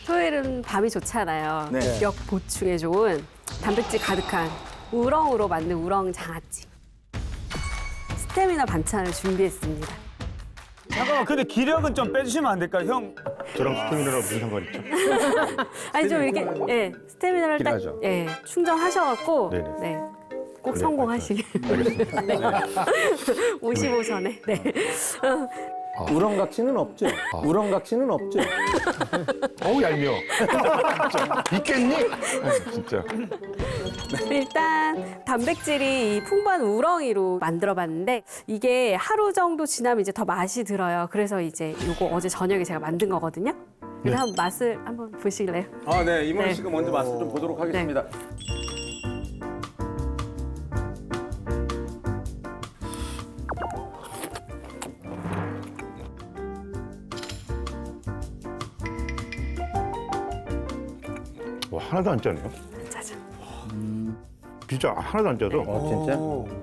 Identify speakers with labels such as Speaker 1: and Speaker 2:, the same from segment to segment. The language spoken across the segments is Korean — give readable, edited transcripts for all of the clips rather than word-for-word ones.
Speaker 1: 토요일은 밤이 좋잖아요.
Speaker 2: 네.
Speaker 1: 력 보충에 좋은 단백질 가득한 우렁으로 만든 우렁 장아찌. 스태미나 반찬을 준비했습니다.
Speaker 3: 잠깐만, 근데 기력은 좀 빼주시면 안 될까요, 형?
Speaker 4: 저랑 스태미나랑 무슨 상관 있죠?
Speaker 1: 아니 좀 이렇게 예 스태미나를 딱
Speaker 4: 필요하죠.
Speaker 1: 예 충전하셔갖고
Speaker 4: 네네.
Speaker 1: 네. 꼭
Speaker 4: 그래,
Speaker 1: 성공하시길.
Speaker 4: 알겠습니다.
Speaker 1: 네. 55선에. 네.
Speaker 2: 우렁각시는 없죠? 우렁각시는 없죠?
Speaker 4: 어우 얄미워. 진짜. 있겠니? 진짜.
Speaker 1: 일단 단백질이 이 풍부한 우렁이로 만들어봤는데 이게 하루 정도 지나면 이제 더 맛이 들어요. 그래서 이제 이거 어제 저녁에 제가 만든 거거든요. 그래서 한번 맛을 한번 보실래요?
Speaker 2: 아, 네. 이모니
Speaker 1: 네.
Speaker 2: 씨가 먼저 맛을 좀 보도록 하겠습니다.
Speaker 4: 와, 하나도 안 짜네요.
Speaker 1: 짜잔.
Speaker 4: 진짜 하나도 안 짜서.
Speaker 2: 진짜?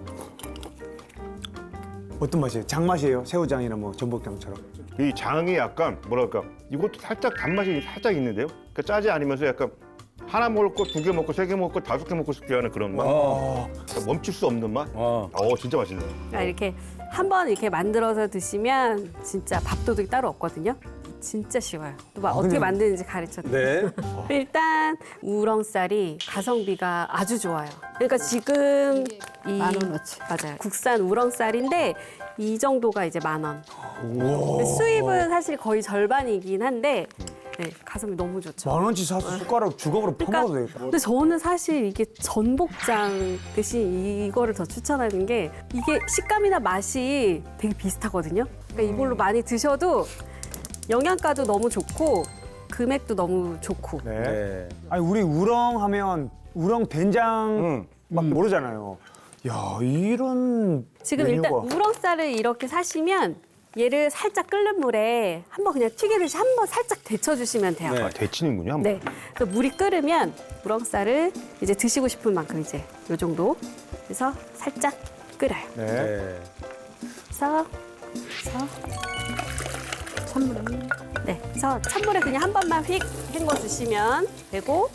Speaker 3: 어떤 맛이에요? 장맛이에요? 새우장이나 뭐 전복장처럼?
Speaker 4: 이 장이 약간 뭐랄까 이것도 살짝 단맛이 살짝 있는데요. 그러니까 짜지 않으면서 약간 하나 먹을 거, 2개 먹고, 3개 먹고, 5개 먹고 싶게 하는 그런 맛. 그러니까 멈출 수 없는 맛. 진짜 맛있네요.
Speaker 1: 그러니까 이렇게 한번 이렇게 만들어서 드시면 진짜 밥도둑이 따로 없거든요. 진짜 쉬워요. 또 막 어떻게 만드는지 가르쳐드릴게요.
Speaker 2: 네.
Speaker 1: 일단 우렁쌀이 가성비가 아주 좋아요. 그러니까 지금 이
Speaker 5: 10,000원어치.
Speaker 1: 맞아요. 국산 우렁쌀인데 이 정도가 이제 10,000원. 수입은 사실 거의 절반이긴 한데 네, 가성비 너무 좋죠.
Speaker 3: 10,000원치 사서 숟가락 주걱으로 퍼먹어도 되겠다.
Speaker 1: 근데 저는 사실 이게 전복장 대신 이거를 더 추천하는 게 이게 식감이나 맛이 되게 비슷하거든요. 그러니까 이걸로 많이 드셔도 영양가도 너무 좋고 금액도 너무 좋고.
Speaker 3: 네.
Speaker 2: 네.
Speaker 3: 아니, 우리 우렁 하면 우렁 된장 막 모르잖아요. 야, 이런
Speaker 1: 지금
Speaker 3: 메뉴가.
Speaker 1: 일단 우렁쌀을 이렇게 사시면 얘를 살짝 끓는 물에 한번 그냥 튀기듯이 한번 살짝 데쳐주시면 돼요.
Speaker 2: 네.
Speaker 4: 아, 데치는군요. 한번.
Speaker 1: 네. 그래서 물이 끓으면 우렁쌀을 이제 드시고 싶은 만큼 이제 요 정도. 그래서 살짝 끓여요.
Speaker 3: 네.
Speaker 2: 네.
Speaker 1: 그래서 찬물에 네. 그래서 찬물에 그냥 한 번만 휙 헹궈 주시면 되고.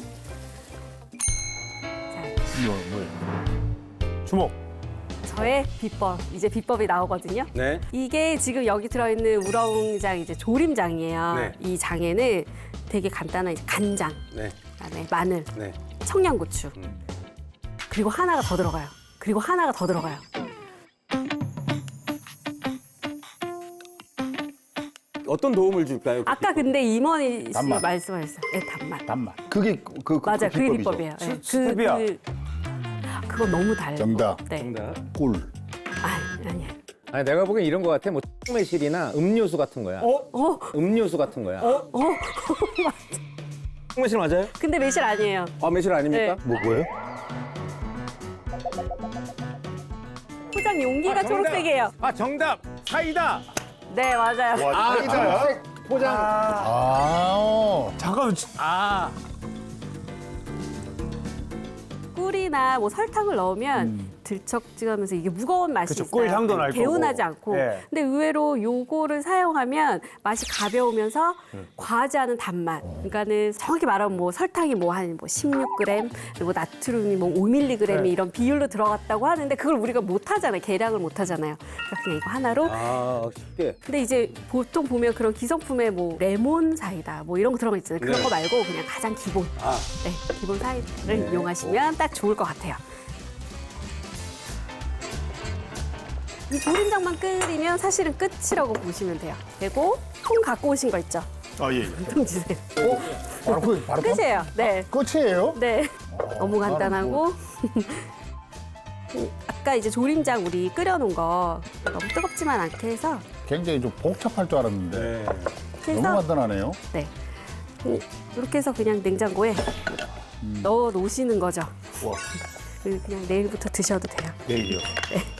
Speaker 1: 자,
Speaker 4: 이거 뭐예요?
Speaker 3: 주먹.
Speaker 1: 저의 비법 이제 비법이 나오거든요.
Speaker 2: 네.
Speaker 1: 이게 지금 여기 들어있는 우렁장 이제 조림장이에요.
Speaker 2: 네.
Speaker 1: 이 장에는 되게 간단한 이제 간장,
Speaker 2: 네.
Speaker 1: 그다음에 마늘,
Speaker 2: 네.
Speaker 1: 청양고추, 그리고 하나가 더 들어가요. 그리고 하나가 더 들어가요.
Speaker 2: 어떤 도움을 줄까요?
Speaker 1: 아까 근데 임원희 씨
Speaker 4: 단맛.
Speaker 1: 말씀하셨어요. 네, 단맛.
Speaker 4: 단맛. 그게
Speaker 1: 맞아요. 그게
Speaker 4: 비법이죠.
Speaker 1: 비법이에요. 네.
Speaker 3: 스텝이야.
Speaker 1: 그거 너무 달고.
Speaker 4: 정답.
Speaker 1: 네.
Speaker 2: 정답.
Speaker 4: 꿀.
Speaker 1: 아니.
Speaker 2: 아니, 내가 보기엔 이런 거 같아. 뭐 매실이나 음료수 같은 거야. 음료수 같은 거야. 매실 맞아요?
Speaker 1: 근데 매실 아니에요.
Speaker 2: 아, 매실 아닙니까?
Speaker 1: 네.
Speaker 4: 뭐예요?
Speaker 1: 포장 용기가
Speaker 2: 정답.
Speaker 1: 초록색이에요.
Speaker 2: 아, 정답. 사이다.
Speaker 1: 네, 맞아요.
Speaker 4: 와, 사이다야?
Speaker 2: 포장.
Speaker 3: 잠깐만.
Speaker 2: 아.
Speaker 1: 꿀이나 뭐 설탕을 넣으면 들쩍지근하면서 이게 무거운 맛이
Speaker 3: 그쵸,
Speaker 1: 있어요.
Speaker 3: 꿀 향도 날 거고.
Speaker 1: 개운하지 않고.
Speaker 3: 네.
Speaker 1: 근데 의외로 요거를 사용하면 맛이 가벼우면서 과하지 않은 단맛. 그러니까는 정확히 말하면 뭐 설탕이 뭐 한 뭐 16g, 그리고 나트륨이 뭐 5mg
Speaker 3: 네.
Speaker 1: 이런 비율로 들어갔다고 하는데 그걸 우리가 못 하잖아요. 계량을 못 하잖아요. 그러니까 그냥 이거 하나로.
Speaker 2: 아, 쉽게.
Speaker 1: 근데 이제 보통 보면 그런 기성품에 뭐 레몬 사이다 뭐 이런 거 들어가 있잖아요. 그런
Speaker 2: 네.
Speaker 1: 거 말고 그냥 가장 기본.
Speaker 2: 아.
Speaker 1: 네, 기본 사이다를 이용하시면 딱 좋을 것 같아요. 이 조림장만 끓이면 사실은 끝이라고 보시면 돼요. 그리고 통 갖고 오신 거 있죠?
Speaker 4: 아, 예.
Speaker 1: 통 주세요.
Speaker 4: 바로
Speaker 1: 끝이에요. 네.
Speaker 4: 끝이에요?
Speaker 1: 네. 너무 간단하고. 아까 이제 조림장 우리 끓여놓은 거 너무 뜨겁지만 않게 해서
Speaker 6: 굉장히 좀 복잡할 줄 알았는데
Speaker 2: 네.
Speaker 6: 너무
Speaker 1: 그래서
Speaker 6: 간단하네요.
Speaker 1: 네. 이렇게 해서 그냥 냉장고에 넣어 놓으시는 거죠.
Speaker 4: 와.
Speaker 1: 그냥 내일부터 드셔도 돼요.
Speaker 4: 내일이요.
Speaker 1: 네.